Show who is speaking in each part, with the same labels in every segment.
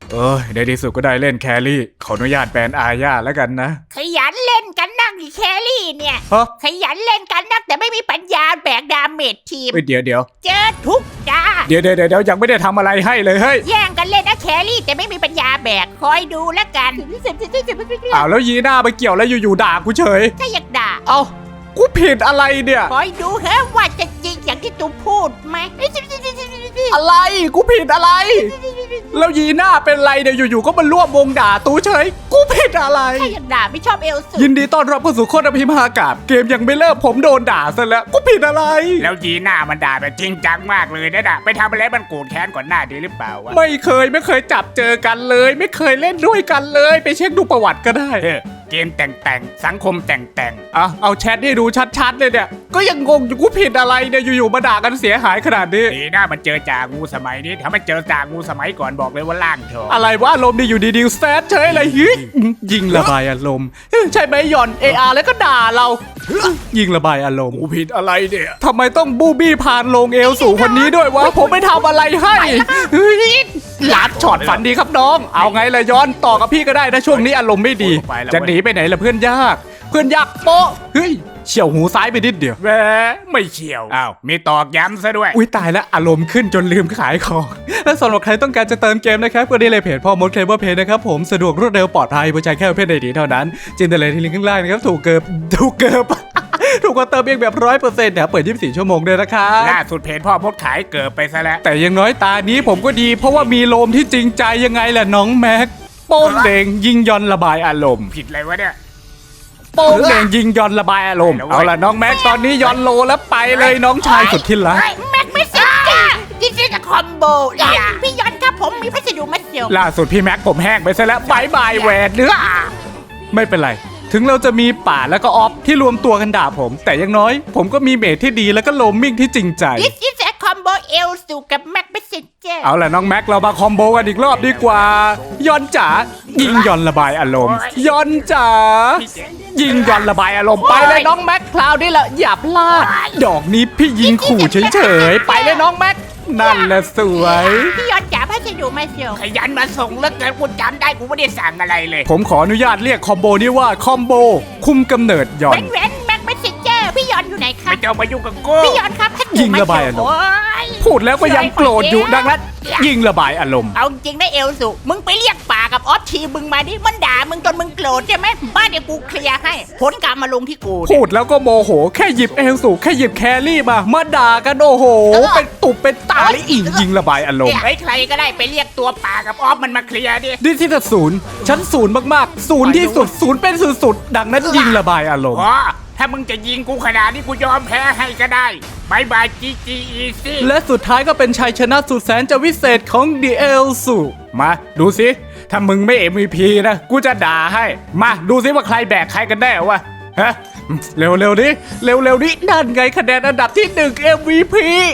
Speaker 1: ในที่สุดก็ได้เล่นแครี่ขออนุญาตแบนอาญาแล้วกันนะ
Speaker 2: ขยันเล่นกันนักดิแครี่เนี่ย
Speaker 1: ฮะ
Speaker 2: ขยันเล่นกันนักแต่ไม่มีปัญญาแบกดาเมจทีม
Speaker 1: เดี๋ยว
Speaker 2: เจอทุกดา
Speaker 1: เดี๋ยวยังไม่ได้ทำอะไรให้เลยเฮ้ย
Speaker 2: แย่งกันเล่นนะแครี่แต่ไม่มีปัญญาแบกคอยดูแล้วกัน
Speaker 1: อ้าวแล้วยีน่าไปเกี่ยวแล้วอยู่ๆด่ากูเฉย
Speaker 2: ถ้าอยากด่า
Speaker 1: เอ้ากูผิดอะไรเนี่ย
Speaker 2: คอยดูเฮ้ว่าจะจริงอย่างที่ตูพูดไหม
Speaker 1: อะไรกูผิดอะไร แล้วยีน่าเป็นไรเนี่ยอยู่ๆก็มาร่วมวงด่าตูเฉยกูผิดอะไร
Speaker 2: ถ้าอยากด่าไม่ชอบเอลสู
Speaker 1: ยินดีต้อนรับเข้าสู่โคตรพิมหากาศเกมยังไม่เริ่มผมโดนด่าซะแล้วกูผิดอะไร
Speaker 3: แล้วยีน่ามันด่าแบบจริงจังมากเลยนะไปทำอะไรมันโกรธแค้นก่อนหน้าดีหรือเปล่าวะ
Speaker 1: ไม่เคยจับเจอกันเลย ไม่เคยเล่นด้วยกันเลย ไปเช็คดูประวัติก็ได้
Speaker 3: เกมแต่งสังคมแต่ง
Speaker 1: เอาแชทให้ดูชัดๆเลยเนี่ยก็ยังงงอยู่กูผิดอะไรเนี่ยอยู่ๆมาด่ากันเสียหายขนาดนี้
Speaker 3: ดีนะมันเจอจ่างูสมัยนี้ถ้ามันเจอจ่างูสมัยก่อนบอกเลยว่าล่างเถอะ
Speaker 1: อะไรวะอารมณ์ดีอยู่ดีๆแซดเฉยเลยฮิยิงระบายอารมณ์ใช่ไหมหย่อน AR แล้วก็ด่าเรายิงระบายอารมณ์
Speaker 3: กูผิดอะไรเนี่ย
Speaker 1: ทำไมต้องบูบี้พานลงเอวสู่คนนี้ด้วยวะผมไม่ทำอะไรให้ลัดช็อตฝันดีครับน้องเอาไงล่ะย้อนต่อกับพี่ก็ได้นะช่วงนี้อารมณ์ไม่ดีจะหนีไปไหนล่ะเพื่อนยากโป๊ะเฮ้ยเฉี่ยวหูซ้ายไปนิดเดียว
Speaker 3: แหมไม่เฉียวอ้าวมีตอกย้ำซะด้วย
Speaker 1: อุ้ยตายแล้วอารมณ์ขึ้นจนลืมขายของและสำหรับใครต้องการจะเติมเกมนะครับก็ได้เลยเพจพ่อมดเคลเวอร์เพจนะครับผมสะดวกรวดเร็วปลอดภัยผู้ใจแค่เพจใดดีเท่านั้นจินตเลยที่ลิงก์ข้างล่างนะครับถูกกว่าเติมเองแบบ100%นะเปิด24ชั่วโมงด้วยนะครับ
Speaker 3: ล่าสุดเพจพ่อพดขายเกิดไปซะแล้ว
Speaker 1: แต่ยังน้อยตานี้ผมก็ดีเพราะว่ามีโลมที่จริงใจยังไงแหละน้องแม็กโป้งเด่งยิงยอนระบายอารมณ์
Speaker 3: ผิดอะไรวะเนี่ย
Speaker 1: โป้งเด่งยิงยอนระบายอารมณ์เอาล่ะน้องแม็กตอนนี้ยอนโลแล้วไปเลยน้องชายสุดที่รัก
Speaker 2: แม็กไม่เสร็จจ้าดิจิทัลคอมโบพี่ยอนครับผมมีพัสดุมาเสียว
Speaker 1: ล่าสุดพี่แม็กผมแห้งไปซะแล้วบายแหวนเนื้อไม่เป็นไรถึงเราจะมีป่าแล้วก็ออฟที่รวมตัวกันด่าผม แต่ยังน้อยผมก็มีเมทที่ดีแล้วก็โลมมิ่งที่จริงใจ
Speaker 2: ดิจิทัลคอมโบเอลสูกับแม็กไม่เสร็จจ้า
Speaker 1: เอาล่ะน้องแม็กเรามาคอมโบกันอีกรอบดีกว่ายอนจ๋ายิงยอนระบายอารมณ์ยอนจ๋ายิงยอนระบายอารมณ์ไปเลยน้องแม็กคราวนี้ละอย่าพลาดดอกนี้พี่ยิงขู่เฉยๆไปเลยน้องแม็กนั่นแหละสวย
Speaker 2: พี่ยอนจ๋าพัสดุมาเสียว
Speaker 3: ขยันมาส่งแล้วเกินกูจำได้กูไม่ได้สั่งอะไรเลย
Speaker 1: ผมขออนุญาตเรียกคอมโบนี้ว่าคอมโบคุมกำเนิดยอ
Speaker 2: เว้
Speaker 1: น
Speaker 2: นแม็กไม่เสร็จจ้าพี่ยอนอยู่ไหนครั
Speaker 3: ไม่
Speaker 2: บ
Speaker 3: เจ้ามายุ่งกับกู
Speaker 2: พี่ยอนครับพัสดุ
Speaker 1: ยิง
Speaker 2: มา
Speaker 1: ระบาย
Speaker 2: เสี
Speaker 1: อารมณ์
Speaker 2: โอ้ย
Speaker 1: พูดแล้วก็ยังโกรธอยู่ดังนั้นยิงระบายอารมณ์
Speaker 2: เอาจริงนะเอลสูมึงไปเรียกป่ากับออฟทีมึงมาดิมันด่ามึงจนมึงโกรธใช่ไหมบ้านเดี๋ยวกูเคลียร์ให้ผลกรรมมาลงที่กู
Speaker 1: พูดแล้วก็โมโหแค่หยิบเอลสูแค่หยิบแครี่มาด่ากันโอ้โหเป็นตุบเป็นตาเลยอีกยิงระบายอารมณ์
Speaker 3: เฮ้ยใครก็ได้ไปเรียกตัวป่ากับออฟมันมาเคลียร์ดิ
Speaker 1: ดิจิทัลศูนย์ชั้นศูนย์มากๆศูนย์ที่สุดศูนย์เป็นสุดๆดังนั้นยิงระบายอารมณ์
Speaker 3: อ๋อถ้ามึงจะยิงกูขนาดนี้กูยอมแพ้ให้ก็ได้บายบายจีจีอีซี่
Speaker 1: และสุดท้ายก็เป็นชัยชนะสุดแสนจะวิเศษของดีเอลสูมาดูสิถ้ามึงไม่ MVP นะกูจะด่าให้มาดูสิว่าใครแบกใครกันแน่วะฮะเร็วๆดิเร็วๆดินั่นไงคะแนนอันดับที่1 MVP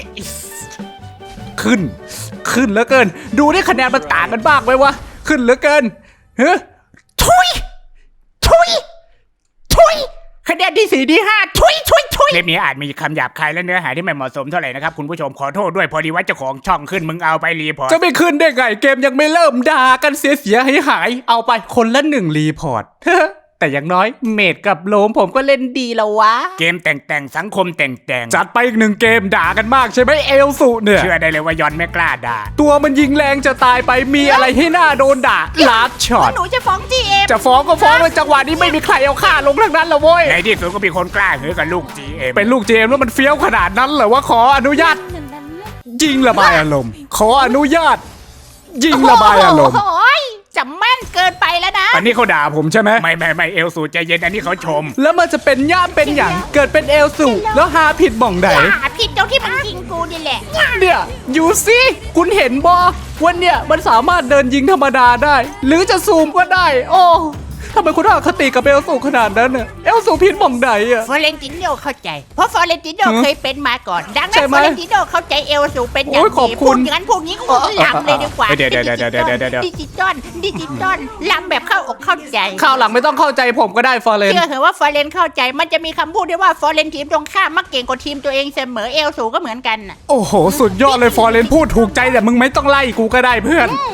Speaker 1: ขึ้นเหลือเกินดูดิคะแนนมันต่างกันบ้างไหมวะขึ้นเหลือเกินเฮ้ยทุยคะแนนที่4ที่5ทุย
Speaker 3: คลิปนี้อาจมีคำหยาบคายและเนื้อหาที่ไม่เหมาะสมเท่าไหร่นะครับคุณผู้ชมขอโทษด้วยพอดีว่าเจ้าของช่องขึ้นมึงเอาไปรีพอร์ต
Speaker 1: จะไม่ขึ้นได้ไงเกมยังไม่เริ่มด่ากันเสียหายเอาไปคนละ1รีพอร์ต แต่อย่างน้อยเมดกับโลมผมก็เล่นดีแล้ววะ
Speaker 3: เกมแต่งสังคมแต่ง
Speaker 1: จัดไปอีก1เกมด่ากันมากใช่ไหมเอลสุเนี่ย
Speaker 3: เชื่อได้เลยว่ายอนไม่กล้าด่า
Speaker 1: ตัวมันยิงแรงจะตายไปมีอะไรให้หน้าโดนด่าลาดช็อต
Speaker 2: หนูจะฟ้องจีเอ็ม
Speaker 1: จะฟ้องก็ฟ้องเลยจังหวะนี้ไม่มีใครเอาค่าลงทั้งนั้นละเว้ย
Speaker 3: ในที่สุดก็มีคนกล้าหือกับลูก GM
Speaker 1: เป็นลูกเจมส์แล้วมันเฟี้ยวขนาดนั้นเหรอว่าขออนุญาตยิงระบายอารมณ์ขออนุญาตยิงระบายอารมณ์
Speaker 2: โอ้ยจะแม่นเกินไปแล้วนะ
Speaker 1: อันนี้เขาด่าผมใช่ไหม
Speaker 3: ไม่เอลสูใจเย็นอันนี้เขาชม
Speaker 1: แล้วมันจะเป็นย่ามเป็นอย่างเกิดเป็นเอลสูแล้วหาผิดบ่องไหน
Speaker 2: ผิดตรงที่มันยิงกูนี่แหละ
Speaker 1: เนี่ยอยู่สิคุณเห็นบอวันเนี่ยมันสามารถเดินยิงธรรมดาได้ หรือจะซูมก็ได้ โอ้ทำไมคุณอคติกับเอลสูขนาดนั้นเนี่ยเอลสูผิดบ่องไหนอะ
Speaker 2: ฟอเรนติโนเข้าใจ เพราะฟอเรนติโนเคยเป็นมาก่อน ดัง
Speaker 1: ใช่
Speaker 2: นั้น
Speaker 1: ไหม
Speaker 2: ฟอเรนติโนเข้าใจเอลสูเป็นอย่าง
Speaker 1: โอ้ยขอบ
Speaker 2: ดี
Speaker 1: คุ
Speaker 2: พู
Speaker 1: ณ
Speaker 2: ดอย่างนั้นพูดงี้กูลำเลยดีกว่า
Speaker 1: เดี๋ยว
Speaker 2: ดิจิตอลลำแบบเข้าอกเข้าใจ
Speaker 1: ข้าวหลังไม่ต้องเข้าใจผมก็ได้ฟอร์เรน
Speaker 2: เชื่อเหอะว่าฟอเรนเข้าใจมันจะมีคำพูดด้วยว่าฟอเรนทีมตรงข้ามมักเก่งกว่าทีมตัวเองเสมอเอลสูก็เหมือนกันน่ะ
Speaker 1: โอ้โหสุดยอดเลยฟอร์เรนพูดถูกใจแต่มึงไม่ต้องไล่กูก็ได้เพื่อน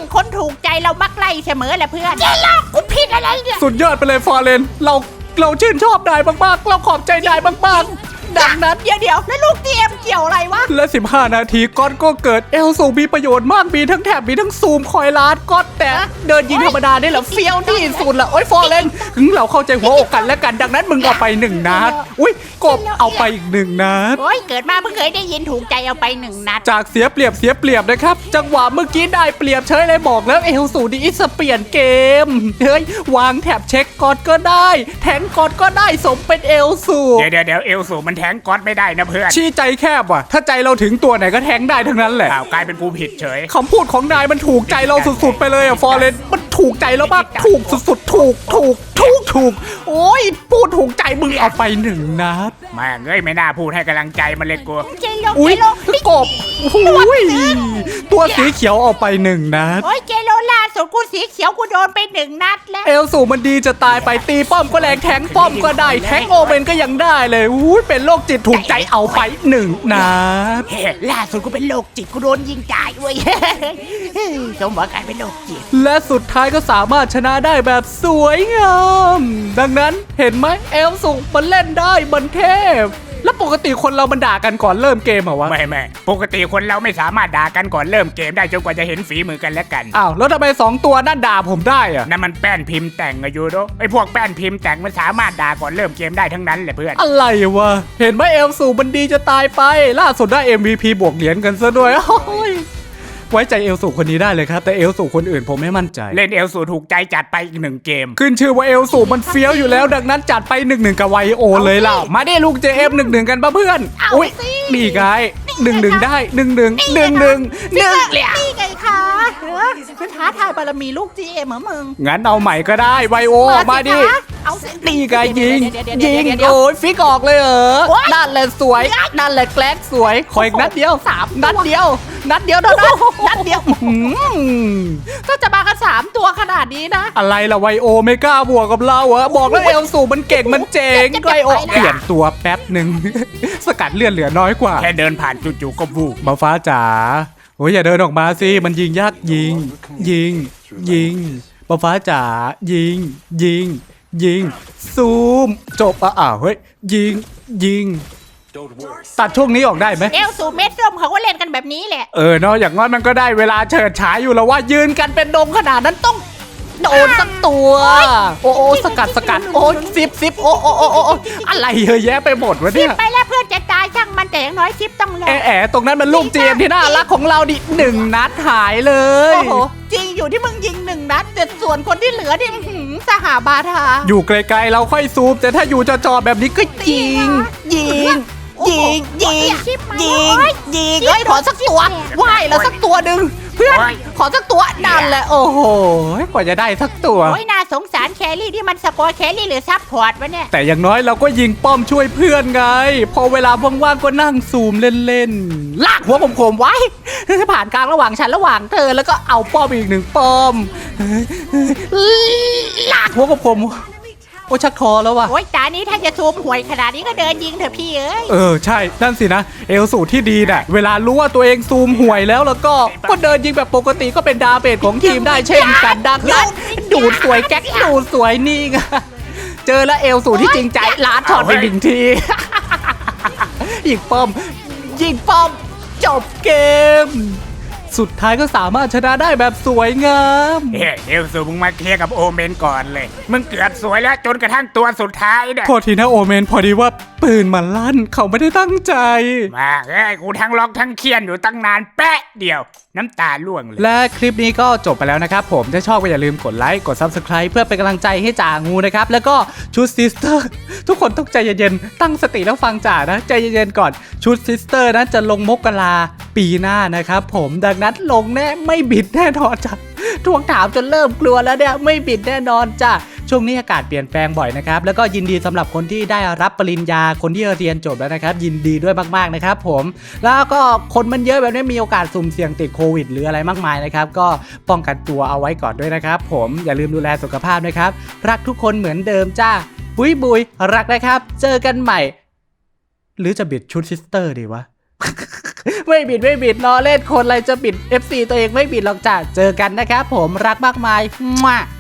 Speaker 2: คนถูกใจเรามักไล่เสมอแหละเพื่อนเจ๊ลอกกูผิดอะไรเนี่ย
Speaker 1: สุดยอดไปเลยฟอร์เรนเราชื่นชอบนายมากๆเราขอบใจนายมากๆดังนั้น
Speaker 2: เดี๋ยวแล้วลูกทีเอ็มเกี่ยวอะไรวะ
Speaker 1: และ 15 นาทีก๊อตก็เกิดเอลสูมีประโยชน์มากมีทั้งแถบมีทั้งซูมคอยลาดก๊อตแต่เดินยิงธรรมดาได้เหรอเฟี้ยวที่สุดละโอ้ยฟอร์เรนเราเข้าใจหัวอกกันและกันดังนั้นมึงเอาไป1 นัดอุ้ยกบเอาไปอีก1 นัด
Speaker 2: โอ้ยเกิดมาเพิ่งเคยได้ยินถูกใจเอาไป1 นัด
Speaker 1: จากเสียเปรียบนะครับจังหวะเมื่อกี้ได้เปรียบเฉยเลยบอกแล้วเอลสูดีอิสเปลี่ยนเกมเฮ้ยวางแถบเช็คก๊อตก็ได้แทงก๊อตก็ได้สมเป็นเอลสู
Speaker 3: เดี๋ยวเอลสูมันแทงก๊อตไม่ได้นะเพื่อน
Speaker 1: ชี้ใจแคบว่ะถ้าใจเราถึงตัวไหนก็แทงได้ทั้งนั้นแหละ
Speaker 3: อ้าวกลายเป็นกูผิดเฉย
Speaker 1: คำพูดของนายมันถูกใจเราสุดๆไปเลยอะฟอร์เรนมันถูกใจเรามากถูกสุดๆถูกโอ้ยพูดถูกใจมึงเอาไป1 นัด
Speaker 3: แม่งเอ้ยไม่น่าพูดให้กำลังใจมันเลยกู
Speaker 2: เจโล
Speaker 1: อุ้ย
Speaker 2: เจโล
Speaker 1: กบอุ้ยตัวสีเขียวเอาไป1 นัด
Speaker 2: โอ้ยเจโลล่าสุดกูสีเขียวกูโดนไป1 นัดแล้ว
Speaker 1: เอลสูมันดีจะตายไปตีป้อมก็แรงแทงป้อมก็ได้แทงโอเมนก็ยังได้เลยอุ้ยเป็นโรคจิตถูกใจเอาไป1 นัด
Speaker 2: เฮ้ยล่าสุดกูเป็นโรคจิตกูโดนยิงตายเว้ย สมหวังกลายเป็นโรคจิต
Speaker 1: และสุดท้ายก็สามารถชนะได้แบบสวยงามดังนั้นเห็นไหมเอลสูมันเล่นได้มันเทพแล้วปกติคนเรามันด่ากันก่อนเริ่มเกมเหรอวะ
Speaker 3: ไม่ปกติคนเราไม่สามารถด่ากันก่อนเริ่มเกมได้จนกว่าจะเห็นฝีมือกันและกัน
Speaker 1: อ้าวแล้วทำไม2 ตัวนั่นด่าผมได้อะ
Speaker 3: นั่นมันแป้นพิมพ์แต่งอะยูโดไอพวกแป้นพิมพ์แต่งมันสามารถด่าก่อนเริ่มเกมได้ทั้งนั้นแหละเพื่อน
Speaker 1: อะไรวะเห็นไหมเอลสูมันดีจะตายไปล่าสุดได้ MVP บวกเหรียญกันซะด้วยโอ้ยไว้ใจเอลสูคนนี้ได้เลยครับแต่เอลสูคนอื่นผมไม่มั่นใจ
Speaker 3: เล่นเอลสูถูกใจจัดไปอีก1 เกม
Speaker 1: ขึ้นชื่อว่าเอลสูมันเฟี้ยวอยู่แล้วดังนั้นจัดไป1-1กับไวโอเลยล่ะมาได้ลูก JF 1-1กันปะเพื่อน
Speaker 2: เอา
Speaker 1: อุ้ย
Speaker 2: สิ
Speaker 1: นี่ไง1-1ได้1-1 1-1
Speaker 2: นี่ไงคะคือท้าทายบารมีลูกจีเอ็มเหรอมึง
Speaker 1: งั้นเอาใหม่ก็ได้ไวโอมาดิ
Speaker 2: สิคะเอาสิ
Speaker 1: นี่ไงยิง
Speaker 2: เดี๋ยว
Speaker 1: ยิงโอ้ยฟิกออกเลยเหรอ
Speaker 2: โอ๊ย
Speaker 1: นั่นแหละสวยนั่นแหละแกล้งสวยขออีกนัดเดียว
Speaker 2: 3
Speaker 1: นัดเดียวเท่านั้นนัดเดียว
Speaker 2: ก็จะมากัน3 ตัวขนาดนี้นะ
Speaker 1: อะไรล่ะไวโอไม่กล้าบวกกับเราเหรอบอกแล้วเอลสูมันเก่งมันเจ๋ง
Speaker 2: จะ
Speaker 1: ไวโอ
Speaker 2: ไปแล้ว
Speaker 1: เปลี่ยนตัวแป๊บหนึ่ง สกัดเลือดเหลือน้อยกว่า
Speaker 3: แค่เดินผ่านจู่ๆก็วูบ
Speaker 1: มาฟ้าจ๋าโอ้ยอย่าเดินออกมาสิมันยิงยากยิงมาฟ้าจ๋ายิงซูมจบอ้าวเฮ้ยยิงตัดช่วงนี้ออกได้ไหม
Speaker 2: เอลสูเม็ดส้มเขาก็เล่นกันแบบนี้แหละ
Speaker 1: เนาะอย่างน้อยมันก็ได้เวลาเฉิดฉายอยู่แล้วว่ายืนกันเป็นดงขนาดนั้นต้องโดนสักตัวโอ้สกัดโอ้ซิบโอ้อะไรเยอะแยะไปหมดวะ
Speaker 2: ซิ
Speaker 1: เนี่
Speaker 2: ป
Speaker 1: ย
Speaker 2: ไปแล้วเพื่อนจะตายช่างมันแต่อย่างน้อยซิปต้องรอด
Speaker 1: แอะตรงนั้นมันลูกเจมที่น่ารักของเราดิ1 นัดหายเลย
Speaker 2: โอ้โหจริงอยู่ที่มึงยิง1 นัดแต่ส่วนคนที่เหลือนี่อื้อหือสหาบาทา
Speaker 1: อยู่ไกลๆเราค่อยซูมแต่ถ้าอยู่จอๆแบบนี้ก็ยิงเอ้ยขอสักตัวว่ายแล้วสักตัวหนึ่งเพื่อนขอสักตัวนั่นแหละโอ้โหกว่าจะได้สักตัว
Speaker 2: โอ้ยน่าสงสารแครี่ที่มันสปอยแครี่หรือซับพอร์ตวะเนี่ย
Speaker 1: แต่อย่างน้อยเราก็ยิงป้อมช่วยเพื่อนไง พอเวลาว่างๆก็นั่งซูมเล่นๆลากหัวผมไว้ผ่านกลางระหว่างฉันระหว่างเธอแล้วก็เอาป้อมอีก1 ป้อมลากหัวผมโอ้ชักคอแล้วว่ะ
Speaker 2: โอ้ยตานี้ถ้าจะซูมหวยขนาดนี้ก็เดินยิงเถอะพี่เอ้ย
Speaker 1: ใช่นั่นสินะเอลสูตรที่ดีน่ะเวลารู้ว่าตัวเองซูมห่วยแล้วก็เดินยิงแบบปกติก็เป็นดาเมจของทีมได้เช่นกันดังนั้นดูดสวยแก๊กดูดสวยนี่ไงเจอแล้วเอลสูตรที่จริงใจล้านช็อตไป1 ทียิงป้อมจบเกม สุดท้ายก็สามารถชนะได้แบบสวยงาม
Speaker 3: เอลสูมึงมาเคลียร์กับโอเมนก่อนเลยมึงเกือบสวยแล้วจนกระทั่งตัวสุดท้ายเนี่ย
Speaker 1: โทษทีนะโอเมนพอดีว่าปืนมันลั่นเขาไม่ได้ตั้งใจ
Speaker 3: มากูทั้งร้องทั้งเคียนอยู่ตั้งนานแป๊ะเดียวน้ำตาล่วงเลย
Speaker 1: และคลิปนี้ก็จบไปแล้วนะครับผมถ้าชอบก็อย่าลืมกดไลค์กด Subscribe เพื่อเป็นกำลังใจให้จ่างูนะครับแล้วก็ชุดซิสเตอร์ทุกคนต้องใจเย็นๆตั้งสติแล้วฟังจ่านะใจเย็นๆก่อนชุดซิสเตอร์นะจะลงมกราปีหน้านะครับผมดังนั้นลงแน่ไม่บิดแน่นอนจ้ะทวงถามจนเริ่มกลัวแล้วเนี่ยไม่บิดแน่นอนจ้ะช่วงนี้อากาศเปลี่ยนแปลงบ่อยนะครับแล้วก็ยินดีสำหรับคนที่ได้รับปริญญาคนที่เรียนจบแล้วนะครับยินดีด้วยมากๆนะครับผมแล้วก็คนมันเยอะแบบนี้มีโอกาสสุ่มเสี่ยงติดโควิดหรืออะไรมากมายนะครับก็ป้องกันตัวเอาไว้ก่อนด้วยนะครับผมอย่าลืมดูแลสุขภาพนะครับรักทุกคนเหมือนเดิมจ้าบุยรักนะครับเจอกันใหม่หรือจะบิดชุดซิสเตอร์ดีวะไม่บิดล้อเล่นคนอะไรจะบิด FC ตัวเองไม่บิดหรอกจ้ะเจอกันนะครับผมรักมากมายมั่ว